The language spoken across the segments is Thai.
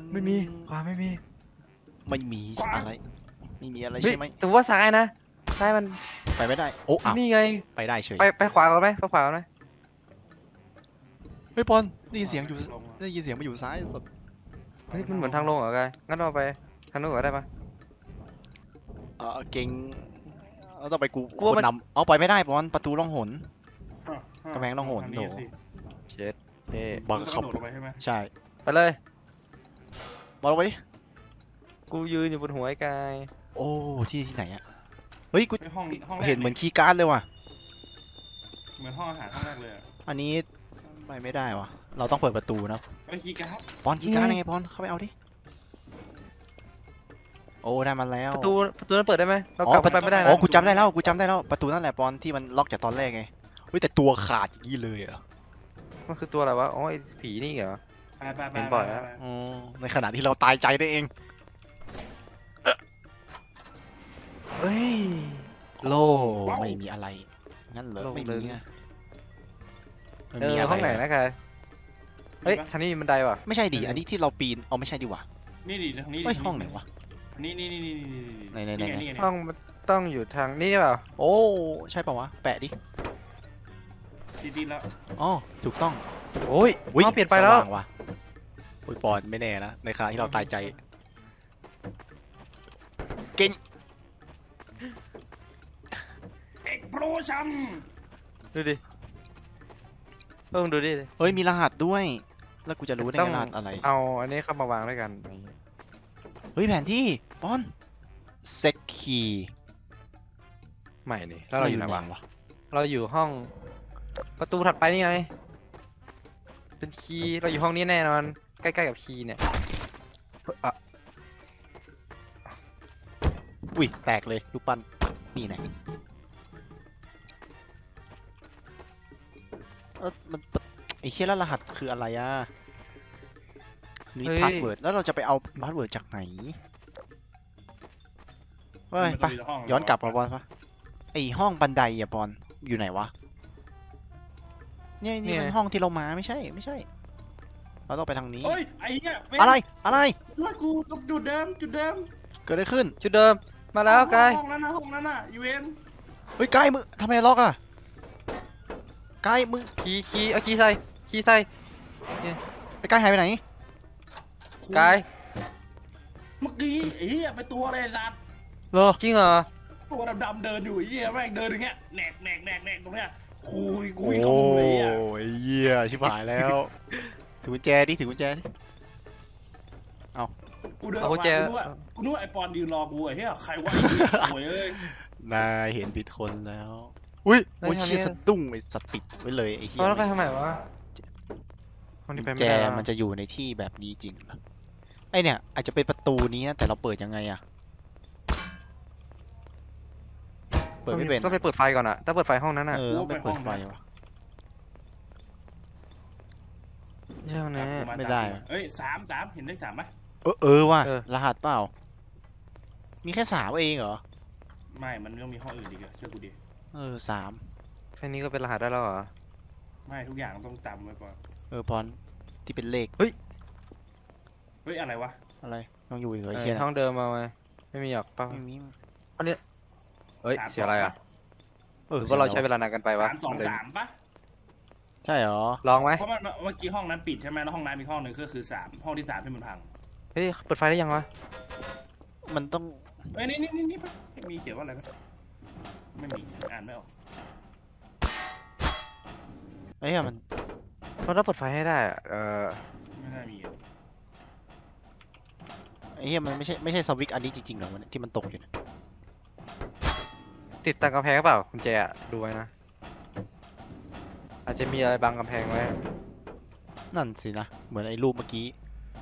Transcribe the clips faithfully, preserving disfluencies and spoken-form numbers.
ไม่มีขวาไม่มีไม่มีอะไรไม่มีอะไรใช่ไหมแต่ว่าซ้ายนะซ้ายมันไปไม่ได้โอ้อ้าวนี่ไงไปได้เฉยไปไปขวาก่อนไหมไปขวาก่อนไหมเฮ้ยปอนได้ยินเสียงอยู่ได้ยินเสียงมาอยู่ซ้ายสุดเฮ้ยมันเหมือนทางลงเหรอกายงั้นเราไปทางนู้นก่อนได้ปะเออเก่งเราต้องไปกูกลัวคมันนนำเอาไปไม่ได้ปอนประตูล่องหนอ่ะอ่ะกำแพงต้องโหนทาโดสิเช็ดเท่บังคับมึต้องกระโดดลงไปใช่ไหมใช่ไปเลยบอลลงไปดิกูยืนอยู่บนหัวไอ้กายโอ้ที่ที่ไหนอะเฮ้ยกูไอ้ห้องห้องแรกเห็นเหมือนคีย์การ์ดเลยว่ะเหมือนห้องอาหารห้องแรกเลยอะอันนี้ไปไม่ได้ว่ะเราต้องเปิดประตูนะไอ้คีย์การ์ดปอนคีย์การ์ดยังไงปอนเข้าไปเอาดิโอ้ได้มาแล้วประตูประตูนั้นเปิดได้ไหมเราอ๋อกลับไปไม่ได้โอ้นะกูจำได้แล้วกูจำได้แล้วประตูนั่นแหละปอนที่มันล็อกจากตอนแรกไงเฮ้ยแต่ตัวขาดอย่างนี้เลยเหรอมันคือตัวอะไรวะอ๋อไอ้ผีนี่เหรอไปไปไปเห็นบ่อยแล้วไปไปอ๋อในขณะที่เราตายใจได้เองเฮ้ยโลโอ้ไม่มีอะไรงั้นเหรอโล่งไม่เลมียอะไม่เอมีออะไรห้องไหนอะนะกายเฮ้ยทางนี้มีบันไดว่ะไม่ใช่ดิอันนี้ที่เราปีนเอาไม่ใช่ดิว่ะนี่ดิทางนี้ดิเฮ้ยทาห้องไหนวะนี่นี่นี่นี่นี่ไหนไหนไหนนี่ไงนี่ไงห้องมันต้องอยู่ทางนี้เปล่าโอ้ใช่ป่าวะแปะดิติดติดแล้วอ๋อถูกต้องโอ้ยอุ๊ยห้องเปลี่ยนไปแล้วสางว่ะโอ้ยปอนไม่แน่นะในขณะที่เราตายใจเก่งเอ็กโพรชัมดูดิเพิ่งดูดิเฮ้ยมีรหัสด้วย แล้วกูจะรู้ได้ต้ไงองรหัสอะไรเอาอันนี้เข้ามาวางด้วยกันอะไรอย่างเงี้ยเฮ้ยแผนที่ปอนเซ็กคีใหม่นี่แล้วเราอยู่ไหนวะเราอยู่ห้องประตูถัดไปนี่ไงเป็นคีย์เราอยู่ห้องนี้แน่นอนใกล้ๆกับคีย์เนี่ยเฮ้ยอ่ะอุ้ยแตกเลยลูกปั้นนี่ไงเออมันไอ้เชี่ยแล้วรหัสคืออะไรอ่ะนี่พาสเวิร์ดแล้วเราจะไปเอาพาสเวิร์ดจากไหนเฮ้ยไป ย้อนกลับมาบอลปะไอห้องบันไดอะบอลอยู่ไหนวะเนี่ยนี่มันห้องที่เรามาไม่ใช่ไม่ใช่ เราต้องไปทางนี้เฮ้ยไอ้เหี้ยเว้ยอะไรอะไรว่ากูจุดเดิมจุดเดิมเกิดอะไรขึ้นชุดเดิมมาแล้วกายห้องนั้นนะห้องนั้นน่ะยูเอ็นเฮ้ยกายมึงทำไมล็อกอะกายมึงคีย์คีย์เอาคีย์ใส่คีย์ใส่ไอ้กายหายไปไหนกายเมื่อกี้ไอ้เหี้ยเป็นตัวอะไรสัตว์เหรอจริงเหรอตัวดำๆเดินอยู่ไอ้เหี้ยแม่งเดินอย่างเงี้ยแหนกแหนกแหนกแหนกตรงเนี้ยคุยคุโอ้ยกับมึงเลยอ่ะยเหี้ยชิบหายแล้วถือกุญแจดิถือกุญแจดิกูเดินอเอาอกกุญมาแจกูนึกว่ากูนึกว่าไอ้ปอนยืนรอกูไอ้เหี้ยใครวะโวยเอ้ยนายเห็นผิดคนแล้วอุ้ยโอ้ยเชี่ยสะดุ้งไอ้สัตว์ปิดไว้เลยไอ้เหี้ยเอาแล้วไปทางไหนวะห้องนี้ไปกุญไม่แจได้แล้วมันจะอยู่ในที่แบบนี้จริงเหรอไอเนี่ยอาจจะเป็นประตูนี้นะแต่เราเปิดยังไงอะเปิดไม่เป็นต้องไปเปิดไฟก่อนอะต้องเปิดไฟห้องนั้นอะเออต้องไปเปิดไฟวะใช่ห้องนี้ไม่ได้เอ้ยสามสามเห็นได้สามไหมเออเออว่ะเออรหัสเปล่า มีแค่สามเองเหรอไม่มันก็มีห้องอื่นอีกอะเชื่อกูดิเออสามแค่นี้ก็เป็นรหัสได้แล้วเหรอไม่ทุกอย่างต้องจำไว้ก่อนเออปอนที่เป็นเลขเฮ้ยอะไรวะอะไรต้องอยู่อีกเหรอเอไอ้อเชี่ยห้องเดิมมาไหมไม่มีหรอกป่ะไม่มีเฮ้ยสามเสียอะไรอะเอหอรือว่าเราสีใช้ยงเวลานานกันไปวะสามสองเลยสามปะใช่เหรอลองไหมเพราะมันเมื่อกี้ห้องนั้นปิดใช่ไหมแล้วห้องน้ำมีห้องหนึ่งก็คือสามห้องที่สามที่มันพังเฮ้ยเปิดไฟได้ยังวะมันต้องเอ้ยนี่นี่นี่นี่ปะมีเขียนว่าอะไรปะไม่มีอ่านไม่ออกไอ้เหี้ยมันเราต้องเปิดไฟให้ได้อะเออไม่น่ามีอะไอ้เหี้ยมันไม่ใช่ไม่ใช่สวิตช์อันนี้จริงๆเหรอมันที่มันตกอยู่เนี่ยติดตามกำแพงเปล่าคุณแจอะดูไว้นะอาจจะมีอะไรบังกำแพงไว้นั่นสินะเหมือนไอ้รูปเมื่อกี้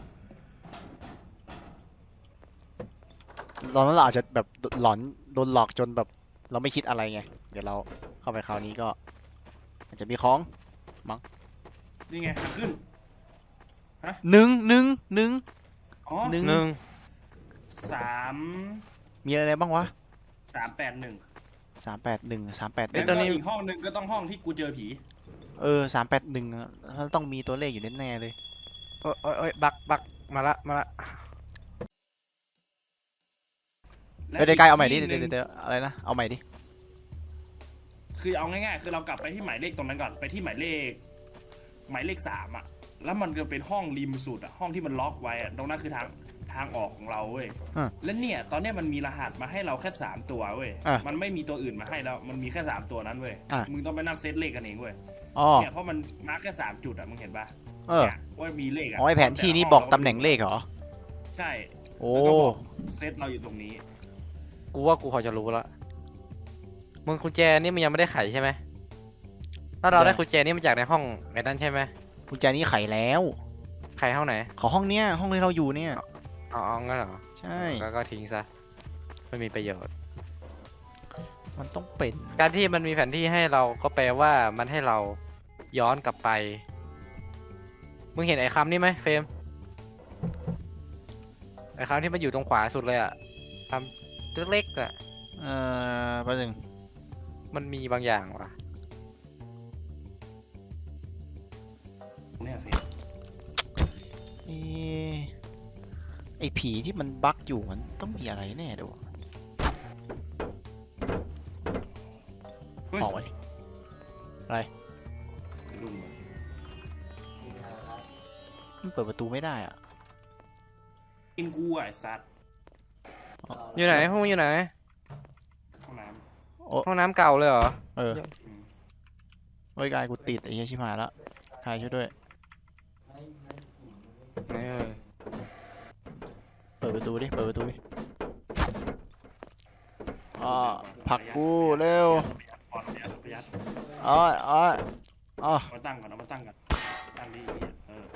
ตอนนั้นเราอาจจะแบบหลอนโดนหลอกจนแบบเราไม่คิดอะไรไงเดี๋ยวเราเข้าไปคราวนี้ก็อาจจะมีของนี่ไงขึ้นหนึ่งหนึ่งหนึ่งอ๋อหนึ่งหนึ่งสามมีอะไรบ้างวะสามแปดหนึ่งสามแปดหนึ่งสามแปดหแล้นึ่วงก็อีกห้องหนึ่งก็ต้องห้องที่กูเจอผีเออสามแปดหนึ่งต้องมีตัวเลขอยู่แน่ๆเลยโอ้ยโอ้ยโอ้ยบักบักมาละมาละเดี๋ยวเดี๋ยวกายเอาใหม่ดิเดี๋ยวเดี๋ยวเดี๋ยวอะไรนะเอาใหม่ดิคือเอาง่ายๆคือเรากลับไปที่หมายเลขตรงนั้นก่อนไปที่หมายเลข หมายเลขสามอ่ะแล้วมันก็เป็นห้องริมสุดอ่ะห้องที่มันล็อกไว้อ่ะตรงนั้นคือทางทางออกของเราเว้ยอ่ะและเนี่ยตอนเนี้ยมันมีรหัสมาให้เราแค่สามตัวเว้ยอ่ะมันไม่มีตัวอื่นมาให้แล้วมันมีแค่สามตัวนั้นเว้ยอ่ะมึงต้องไปนั่งเซตเลขกันเองเว้ยอ๋อเนี่ยเพราะมันมาร์กแค่สามจุดอ่ะมึงเห็นปะเออเนี่ยว่ามีเลขอ่ะอ๋อไอแผนที่นี้บอกตำแหน่งเลขเหรอใช่โอ้แล้วก็บอกเซตเราอยู่ตรงนี้กูว่ากูพอจะรู้ละมึงกุญแจนี่มันยังไม่ได้ไขใช่ไหมถ้าเราได้กุญแจนี่มาจากในห้องไอ้นั่นใช่ไหมกุญแจนี้ไขแล้วไขห้องไหนขอห้องเนี้ยห้องที่เราอยู่เนี่ยอ๋ออ๋องั้นเหรอใช่ก็ก็ทิ้งซะไม่มีประโยชน์มันต้องเป็นการที่มันมีแผนที่ให้เราก็แปลว่ามันให้เราย้อนกลับไป มึงเห็นไอ้คำนี่ไหมเฟรมไอ้คำที่มันอยู่ตรงขวาสุดเลยอะคำเล็กๆอะเอ่อแป๊บนึงมันมีบางอย่างว่ะเนี่ยสิเอ๊ะไอผีที่มันบั๊กอยู่มันต้องมีอะไรแน่เดี๋ยวะเฮ้ยออกไปลุงมันเปิดประตูไม่ได้อ่ะกินกูอ่ะไอ้สัตว์อยู่ไหนห้องอยู่ไหนห้องน้โอ้ห้องน้ำเก่าเลยเหรอเออำอืมโอ้ยกายกูติดไอ้เหี้ยชิบหายแล้วกายช่วยด้วยไหนเอ่ยเปิดประตูดิ เปิดประตูดิอ๋อผลักกูเร็วปอนประหยัดประหยัดอ๋ออ๋ออ๋อเอามาตั้งก่อนเอามาตั้งก่อนตั้งดีเออ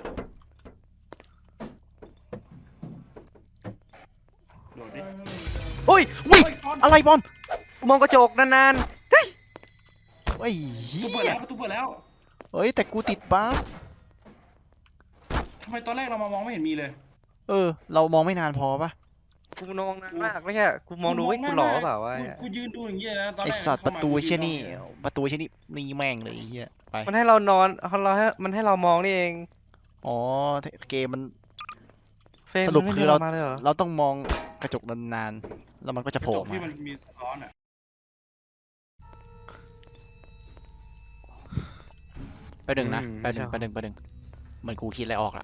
โดดดิโอ้ยอุ้ยเฮ้ยปอนอะไรบอลกูมองกระจกนานเฮ้ยประเฮีตูเปิดยแล้วประตูเปิดแล้วเฮ้ย แต่กูติดบั๊กทำไมตอนแรกเรามามองไม่เห็นมีเลยเออ เรามองไม่นานพอปะๆกูมองนานมากไม่ใช่กูมองดูว่ากูหล่อเปล่าวะกูกูยืนดูอย่างเงี้ยนะตอนไอแรกสัตว์ปข้าระมาตูกูเชี่ยยืนี่มองประตูเชี่ยนี่นี่แม่งเลยไอ้เฮียไปมันให้เรานอนเราให้มันให้เรามองนี่เองอ๋อ เกมมันเฟรมสรุปมันไม่คือให้เรามาเลยเหรอเราต้องมองกระจกนานๆ แล้วมันก็จะกโผระล่จกมาที่มันมีสะท้อนอ่ะไปหนึ่งนะไปหนึ่งไปหนึ่งไปหนึ่งเหมือนกูคิดอะไรออกละ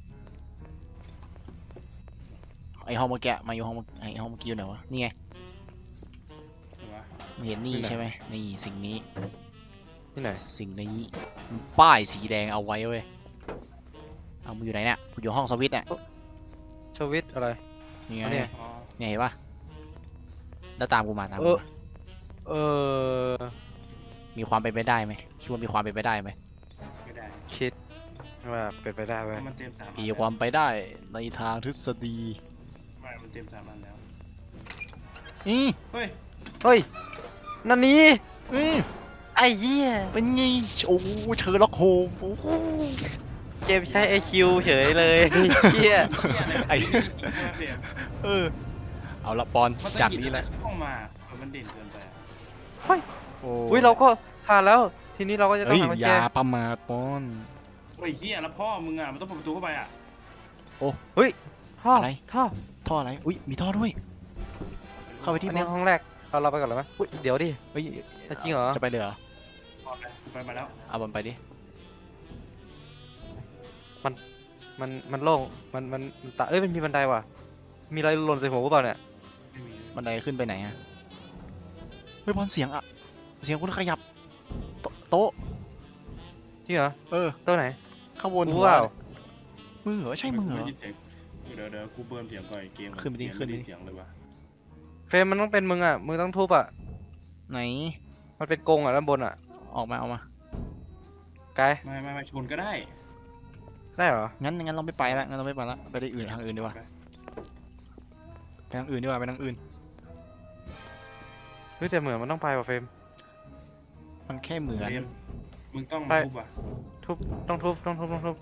ไอห้องเมื่อกี้มาอยู่ห้องเมื่อไอห้องเมื่อกี้อยู่ไหนวะ นี่ไงเห็นปะมึงเห็นนี่ใช่ไหมนี่สิ่งนี้ที่ไหนสิ่งนี้ป้ายสีแดงเอาไว้เว้ย เอามึงอยู่ไหนเนี่ยกูอยู่ห้องสวิตช์เนี่ยสวิตช์อะไรนี่ไงอันเนี้ยอ๋อเนี่ยเห็นปะแล้วตามกูมาตามเอกูอมาเออมีความเป็นไปได้ไหมคิดว่ามีความเป็นไปได้ไหมไม่ได้คิดว่าเป็นไปได้เว้ยมันเต็มสามอันมีแล้วความไปได้ในทางทฤษฎีไม่มันเต็มสามอันแล้วนี่เฮ้ยเฮ้ยนันนี่อืมไอ้เหี้ยเป็นไงโอ้เชอร์ล็อกโฮมโอ้โหเกมใช้ ไอ คิว เฉยเลยเหี้ยไอ้เสียงเออ เอาละปอนมันจะจากหยิบนี้แหละห้องมาเออมันเด่นเกินไปอะโอ้อุ้ยเราก็ผ่านแล้ว ทีนี้เราก็จะต้อเฮ้งยหากุญอแจย่าประมาทปอนโอ้ยเฮียแล้วพ่อมึงอ่ะมันต้องเปิดประตูเข้าไปอ่ะท่ออะไรท่อท่ออะไร อุ้ย มีท่อด้วย เข้าไปที่อันบอนี้ลห้องแรกเราเราไปก่อนเลยไหมอุ้ยเดี๋ยวดิเฮ้ยจริงเหรอจะไปเลยเหรอพ่อไปกูไปมาแล้วเอาบอลไปดิมันมันโล่งมันมันมันตาเอ้ยมันมีบันไดว่ะมีอะไรหล่นใส่หัวกูเปล่าเนี่ยไม่มีบันไดขึ้นไปไหนฮะ เฮ้ยบอลเสียงอะเสียงคุณขยับ โตโต๊ะจริงเหรอเออตัวไหนข้างบนกูหัวเปล่ามือเหรอ ใช่มือเหรอไได้ยินสียงเดี๋ยวเดี๋ยวกูเบิร์นเสียงก่อนไอ้เกมขึ้นไปดิเกมขึ้นไปดิม่ด้เสียงเลยว่ะเฟรมมันต้องเป็นมึงอ่ะมึงต้องทุบอ่ะไหนมันเป็นกรงอ่ะด้านบนอ่ะออกมา ออกมากายไม่ไม่ไม่ชนก็ได้ได้เหรองั้นงั้นเราไม่ไปละงั้นเราไม่ไปละไปได้อื่นทางอื่นดีกว่าไปไปทางอื่นดีกว่าไปทางอื่นเฮ้ยแต่เหมือนมันต้องไปว่ะเฟรมมันแค่เหมือนเกมมึงต้องไปทุบอ่ะทุบต้องทุบต้องทุบต้องทุบ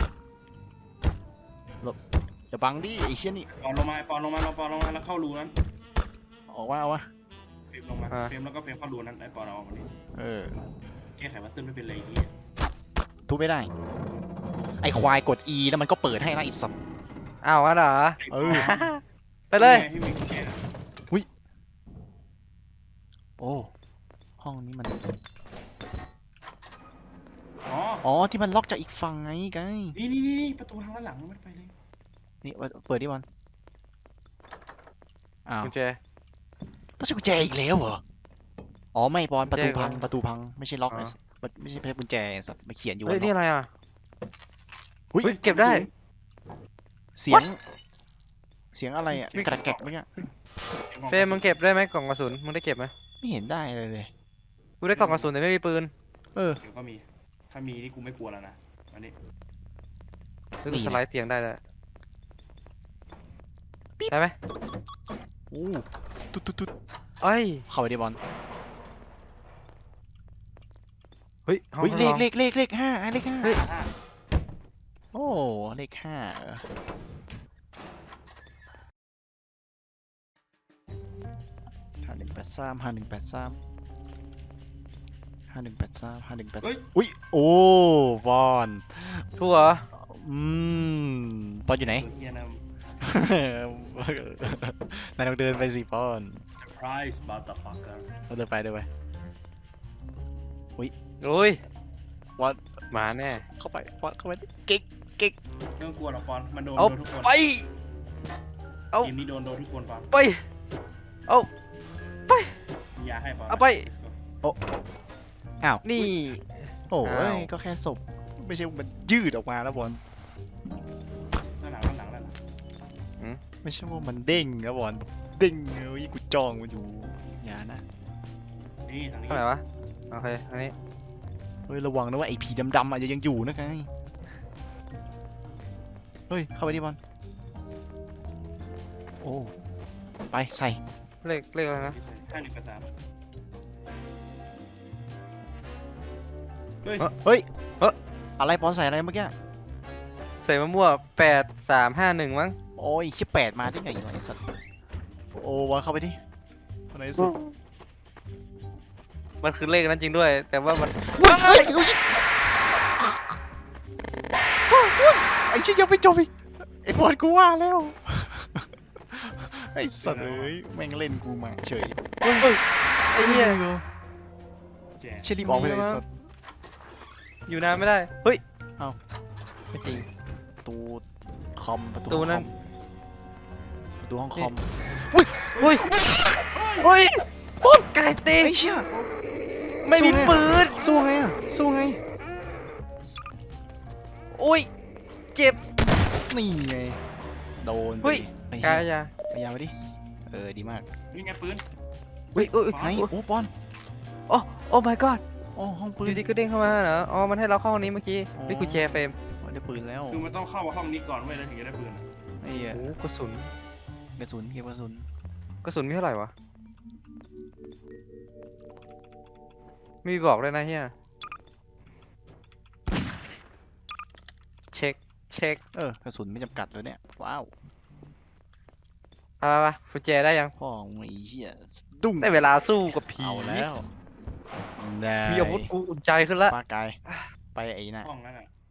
อย่าบังดิไอ้เชี่ยนี่ปอนลงมาปอนลงมาเราปอนลงมาแล้วเข้ารูนั้นออกมาเอาวะเฟรมลงมาเฟรมแล้วก็เฟรมเข้ารูนั้นไอ้ปอนเอาออกมาดิเออแก้ไขวัสดุไม่เป็นไรที่ทุบไม่ได้ ไอ้ควายกด E แล้วมันก็เปิดให้นะไอ้สัตว์อ้าวงั้นเหรอเออไปเลยนี่ไงที่มีกุญแจนะโอ้ห้องนี้มันอ๋ออ๋อที่มันล็อกจากอีกฝั่งไงไงนี่นี่นี่นี่ประตูทางด้านหลังมันไม่ได้ไปเลยนี่เปิดดิบอลอ้าวกุญแจต้องใช้กุญแจอีกแล้วเหรออ๋อไม่บอลประตูกุญแจพังก่อนประตูพังไม่ใช่ล็อกอ๋อไอ้สัสมันไม่ใช่กุญแจไอ้สัตว์มาเขียนอยู่เฮ้ยว่านี่ล็อกอะไรอ่ะหุ้ยเฮ้ยเก็บได้เสียง เสียงอะไรอ่ะกระแกกเมื่อกี้เฟรมมึงเก็บได้ไหมกล่องกระสุนมึงได้เก็บไหมไม่เห็นได้เลยเลยกูได้กล่องกระสุนแต่ไม่มีปืนเออเดี๋ยวก็มี ถ้ามีนี่กูไม่กลัวแล้วนะอันนี้เฮ้ยนี่กูไงสไลด์เตียงได้แล้วได้ไหมอู้ตุ๊ดตุ๊ดตุ๊ดเอ้ยเข้าไปดิบอลเฮ้ยห้องเฮ้ยทดเลลของเลขเลขเลขห้าอ่ะเลขห้าเฮ้ยอ่าโอ้เลขห้าเหรอห้าหนึ่งแปดสามห้าหนึ่งแปดสามห้าหนึ่งแปดสามห้าหนึ่งแปดเฮ้ยอุ้ยโอ้บอลทั่วเหรออืมบอลอยู่ไหนตัวเฮียนะนายต้องเดินไปสิบอล surprise motherfucker เราเดินไปเดินไปโอ้ยบอลมาแน่เข้าไปบอลเข้าไปเก๊กเก๊กไม่ต้องกลัวหรอกปอนมันโดนเอาโดนทุกคนไป เอาทีมนี้โดนโดนทุกคนปอนไป เอาไปมียาให้ปอนเอาไปอ้าวนี่โอ้อ้ายว ก็แค่ศพไม่ใช่ว่ามันยืดออกมาแล้วบอลด้านหลังด้านหลังด้านหลังไม่ใช่ว่ามันเด้งนะบอลเด้งเอ้ยกูจ้องมันอยู่อย่านะนี่ทางนี้เท่าไหร่วะ โอเค อันนี้เฮ้ยระวังนะว่าไอ้ผีดำๆอาจจะยังอยู่นะไงเฮ้ยเข้าไปดิบอลโอ้ไปใส่เลขเลขอะไรนะห้าหนึ่งแปดสามเฮ้ยเฮ้ยอะไรบอลใส่อะไรเมื่อกี้ใส่มะม่วงแปดสามห้าหนึ่งมั้งโอ้ยชิบแปดมาได้ไงวะไอ้สัตว์โอ้บอลเข้าไปดิคนไหนสุดมันคือเลขนั้นจริงด้วย แต่ว่ามันเฮ้ยเฮ้ยไอ้ชิยังไม่จบอีกไอ้บอลกูว่าแล้ว ไอ้สัตว์เอ้ยแม่งเล่นกูมาเฉยเฮ้ยเฮ้ยไอ้เหี้ยแจกเชลีบอกไปเลยไอ้สัตว์อยู่นานไม่ได้ เฮ้ยเอ้าไม่จริงประตูคอมประตูประตูห้องนั้คน อมประตูห้องคอมเฮ้ย เฮ้ยปุ๊บไก่ตีไอ้เชี่ยไม่มีปืนสู้ไงอ่ะสู้ไงโอ้ย เจ็บนี่ไงโดนไปเฮ้ยดิไอ้กาเหี้ยยาพยายามไปดิเออดีมากนี่ไงปืนเฮ้ยเอ้ยไหนโอ้บอลโอ้โอ้ my god โอ้ห้องปือน ยู่ดีก็เด้งเข้ามาเหรอ อ๋อ มันให้เราเข้าห้องนี้เมื่อกี้อ๋อนี่กุญแจเฟรมมันได้ปืนแล้วคือมันต้องเข้าห้องนี้ก่อนเว้ยแล้วถึงจะได้ปืนไอ้เหี้ยโอ้กระสุนกระสุนเก็บกระสุนกระสุนมีเท่าไหร่วะ ไม่มีบอกเลยนะเฮียเช็ค เช็คเออกระสุนไม่จำกัดเลยเนี่ยว้าวไปไปไปกุญแจได้ยังพ่อมึงไอ้เหี้ยดุ้งได้เวลาสู้กับผีเอาแล้วได้มีอาวุธกูอุ่นใจขึ้นละปลากายไปไอ้น่ะห้องนั้นอ่ะ